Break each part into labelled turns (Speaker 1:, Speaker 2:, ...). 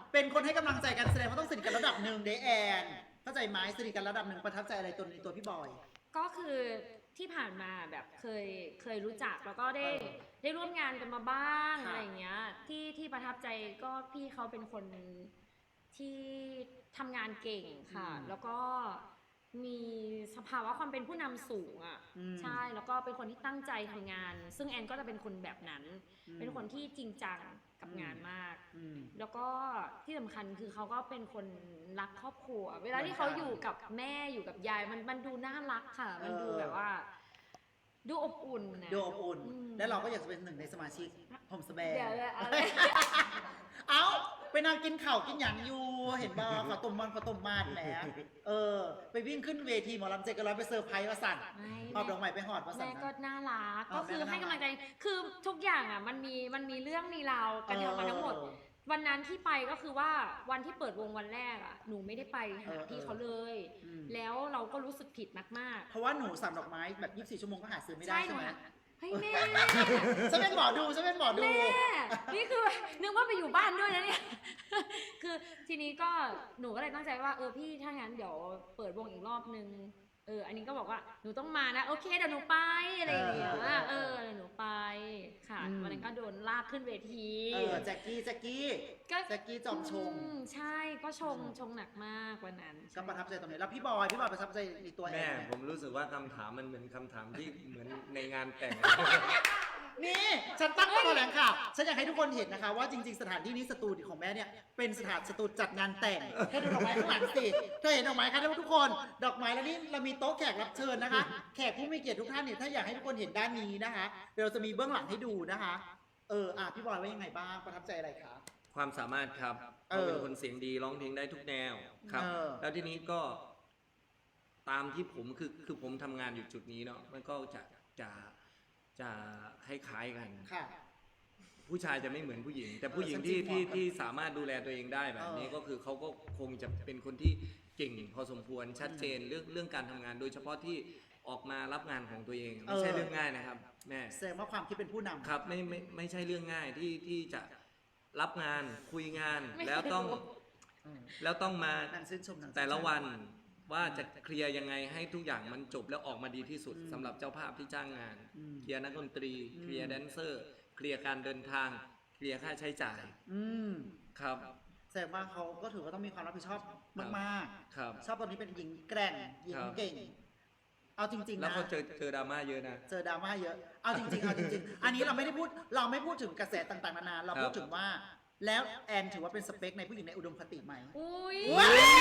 Speaker 1: เป็นคนให้กำลังใจกันแสดงว่าต้องสนิทกันระดับหนึ่งเดแอนเข้าใจไหมสนิทกันระดับหนึ่งประทับใจอะไรในตัวพี่บอย
Speaker 2: ก็คือที่ผ่านมาแบบเคยรู้จักแล้วก็ได้ร่วมงานกันมาบ้างอะไรอย่างเงี้ยที่ประทับใจก็พี่เขาเป็นคนที่ทำงานเก่งค่ะแล้วก็มีสภาวะความเป็นผู้นำสูงอ่ะใช่แล้วก็เป็นคนที่ตั้งใจทำงานซึ่งแอนก็จะเป็นคนแบบนั้นเป็นคนที่จริงจังกับงานมากแล้วก็ที่สำคัญคือเขาก็เป็นคนรักครอบครัวเวลาที่เขาอยู่กับแม่อยู่กับยายมันดูน่ารักค่ะมันดูแบบว่าดูอบอุ่นนะ
Speaker 1: ดูอบอุ่นและเราก็อยากจะเป็นหนึ่งในสมาชิกผมสแบงเอาไปนั่งกินข่าวกินหยางอยู่เห็นบ่ขอต้มมันขอต้มมาดแหมไปวิ่งขึ้นเวทีหมอลำเจกันร้อยไปเซอร์ไพรส์ว่าสั่นหอบดอกไม้ไปหอดว่าสั่น
Speaker 2: แม่ก็น่ารักก็คือให้กำลังใจคือทุกอย่างอ่ะมันมีเรื่องมีราวกันทำมาทั้งหมดวันนั้นที่ไปก็คือว่าวันที่เปิดวงวันแรกอ่ะหนูไม่ได้ไปหาพี่เขาเลยแล้วเราก็รู้สึกผิดมาก
Speaker 1: ๆเพราะว่าหนูสั่งดอกไม้แบบ24 ชั่วโมงก็หาซื้อไม่ได้ใช่ไหม
Speaker 2: เฮ้ยแม่
Speaker 1: ฉันเป็นหมอดูแม่
Speaker 2: นี่คือนึกว่าไปอยู่บ้านด้วยนะเนี่ยคือทีนี้ก็หนูก็เลยตั้งใจว่าพี่ถ้างั้นเดี๋ยวเปิดวงอีกรอบนึงอันนี้ก็บอกว่าหนูต้องมานะโอเคเดี๋ยวหนูไปอะไรอย่างเงี้ยเดี๋ยวหนูไปค่ะวันนั้นก็โดนลากขึ้นเวที
Speaker 1: แจ็คกี้จอมชง
Speaker 2: ใช่ก็ชงหนักมากวันนั้น
Speaker 1: ก็ประทับใจตรงนี้แล้วพี่บอยประทับใจในตัวแม่
Speaker 3: ผมรู้สึกว่าคำถามมันเหมือนคำถามที่เหมือนในงานแต่ง
Speaker 1: นี่ฉันตั้งตัวแถลงข่าวฉันอยากให้ทุกคนเห็นนะคะว่าจริงๆสถานที่นี้สตูดิโอของแม่เนี่ยเป็นสตูดิโอจัดงานแต่งแค่ดูดอกไม้ข้างหลังสิเธอเห็นดอกไม้คะทุกคนดอกไม้แล้วนี่เรามีโต๊ะแขกรับเชิญนะคะแขกผู้มีเกียรติทุกท่านเนี่ยถ้าอยากให้ทุกคนเห็นด้านนี้นะคะเดี๋ยวเราจะมีเบื้องหลังให้ดูนะคะพี่บอยว่ายังไงบ้างประทับใจอะไรคะ
Speaker 3: ความสามารถครับเขาเป็นคนเสียงดีร้องเพลงได้ทุกแนวครับแล้วทีนี้ก็ตามที่ผมคือผมทำงานอยู่จุดนี้เนาะมันก็จะคล้ายๆกันผู้ชายจะไม่เหมือนผู้หญิงแต่ผู้หญิงที่สามารถดูแลตัวเองได้แบบนี้ก็คือเขาก็คงจะเป็นคนที่เก่งพอสมควรชัดเจนเรื่องการทำงานโดยเฉพาะที่ออกมารับงานของตัวเองไม่ใช่เรื่องง่ายนะครับแม่
Speaker 1: แสดงว่าความคิดเป็นผู้นำ
Speaker 3: ครับไม่ใช่เรื่องง่ายที่จะรับงานคุยงานแล้วต้องมาแต่ละวันว่าจะเคลียร์ยังไงให้ทุกอย่างมันจบแล้วออกมาดีที่สุดสำหรับเจ้าภาพที่จ้างงานเคลียร์นักดนตรีเคลียร์แดนเซอร์เคลียร์การเดินทางเคลียร์ค่าใช้จ่ายครับ
Speaker 1: แสดงว่าเขาก็ถือว่าต้องมีความรับผิดชอบมาก
Speaker 3: ๆครับ
Speaker 1: ชอบตอนนี้เป็นหญิงแกร่งหญิงเก่งเอาจริงๆนะ
Speaker 3: แล้วเขาเจอดราม่าเยอะนะ
Speaker 1: เจอดราม่าเยอะเอาจริงๆอันนี้เราไม่พูดถึงกระแสต่างๆนานาเราพูดถึงว่าแล้วแอนถือว่าเป็นสเปคในผู้หญิงในอุดมคติไหม
Speaker 2: อุ้ย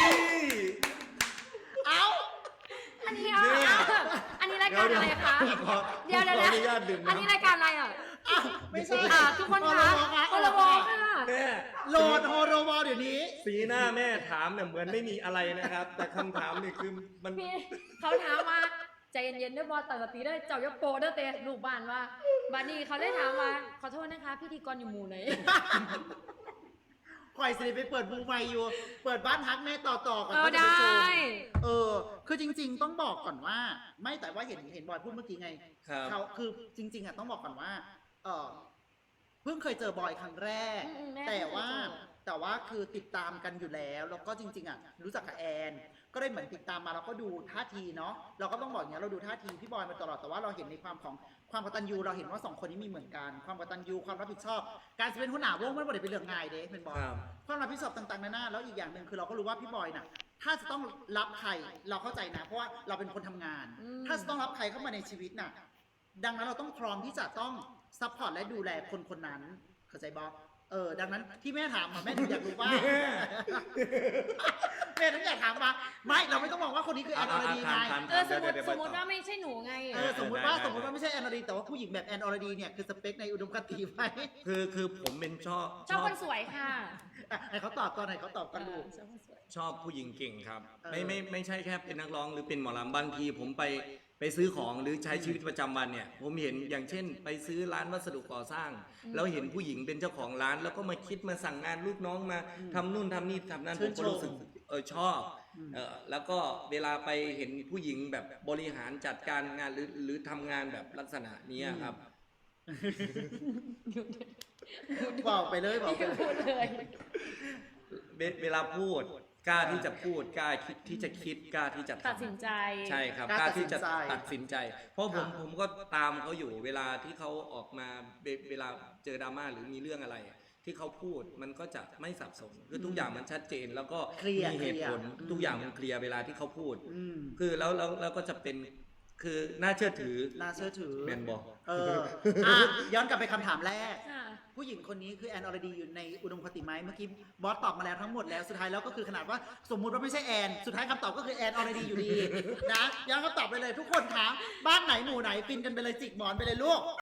Speaker 1: เอา
Speaker 2: อันนี้รายการอะไรคะเดี๋ยวอันนี้รายการอะไรอ่ะ
Speaker 1: ไม่ใช่
Speaker 2: ทุกคนคะโฮโลวอลค่ะ
Speaker 1: โหลดโฮโลวอลเดี๋ยวนี้
Speaker 3: สีหน้าแม่ถามเนี่ยเหมือนไม่มีอะไรนะครับแต่คำถามนี่คือมัน
Speaker 2: เขาถามมาใจเย็นๆด้วยบอลต่างสติได้เจ้ายักโปเด้อเตะลูกบ้านว่าบ้านนี้เขาได้ถามว่าขอโทษนะคะพิธีกรอยู่หมู่ไหน
Speaker 1: คอยสิไปเปิดบูใหม่อยู่เปิดบ้านฮักแม่ต่อก่อน
Speaker 2: ก็จะไปชม
Speaker 1: คือจริงๆต้องบอกก่อนว่าไม่แต่ว่าเห็นบอยพูดเมื่อกี้ไงเขาคือจริงๆอ่ะต้องบอกก่อนว่าเพิ่งเคยเจอบอยครั้งแรกแต่ว่าคือติดตามกันอยู่แล้วก็จริงๆอ่ะรู้จักกับแอนก็ได้เหมือนติดตามมาเราก็ดูท่าทีเนาะเราก็ต้องบอกอย่างนี้เราดูท่าทีพี่บอยมาตลอดแต่ว่าเราเห็นในความกตัญญูเราเห็นว่า2คนนี้มีเหมือนกันความกตัญญูความรับผิดชอบการเป็นหัวหน้าวงมันไม่ได้เป็นเรื่องง่ายเด้เป็นบอยความรับผิดชอบต่างๆนานาแล้วอีกอย่างหนึ่งคือเราก็รู้ว่าพี่บอยน่ะถ้าจะต้องรับใครเราเข้าใจนะเพราะว่าเราเป็นคนทำงานถ้าจะต้องรับใครเข้ามาในชีวิตน่ะดังนั้นเราต้องพร้อมที่จะต้องซัพพอร์ตและดูแลคนนั้นเข้าใจบอดังนั้นที่แม่ถามมาแม่ถึงอยากรู้ว่าแม่ถึงอยากถามมาไม่เราไม่ต้องบอกว่าคนนี้คือแอนอรดีไง
Speaker 2: สมมติว่าไม่ใช่หนูไง
Speaker 1: สมมติว่าไม่ใช่แอนอรดีแต่ว่าผู้หญิงแบบแอนอรดีเนี่ยคือสเปคในอุดมคติไหม
Speaker 3: คือผมเป็นชอบ
Speaker 2: คนสวยค่ะ
Speaker 1: ให้เขาตอบก่อนลูก
Speaker 3: ชอบผู้หญิงเก่งครับไม่ใช่แค่เป็นนักร้องหรือเป็นหมอลำบางทีผมไปซื้อของหรือใช้ชีวิตประจำวันเนี่ยผมเห็นอย่างเช่นไปซื้อร้านวัสดุก่อสร้างแล้วเห็นผู้หญิงเป็นเจ้าของร้านแล้วก็มาคิดมาสั่งงานลูกน้องมาทำนู่นทำนี่ทำนั่นผมก็รู้สึกชอบแล้วก็เวลาไปเห็นผู้หญิงแบบบริหารจัดการงานหรือทำงานแบบลักษณะนี้ครับ
Speaker 1: บอกไปเลย
Speaker 3: เวลาพูดกล้าที่จะพูดกล้าที่จะคิดกล้าที่จะ
Speaker 2: ตัดสินใจ
Speaker 3: ใช่ครับกล้าที่จะตัดสินใจ เพราะผมก็ตามเขาอยู่เวลาที่เขาออกมาเวลาเจอดราม่าหรือมีเรื่องอะไรที่เขาพูดมันก็จะไม่สับสนคือทุกอย่างมันชัดเจนแล้วก็มีเหตุผลทุกอย่างมันเคลียร์เวลาที่เขาพูดคือแล้วก็จะเป็นคือน่าเชื่อถือแมนบอก
Speaker 1: ย้อนกลับไปคำถามแรกผู้หญิงคนนี้คือแอนอรดีอยู่ในอุดมคติไหมเมื่อกี้บอสตอบมาแล้วทั้งหมดแล้วสุดท้ายแล้วก็คือขนาดว่าสมมุติว่าไม่ใช่แอนสุดท้ายคำตอบก็คือแอนอรดีอยู่ดีนะย้อนคำตอบไปเลยทุกคนคะบ้านไหนหมู่ไหนฟินกันไปเลยจิกหมอนไปเลยลูก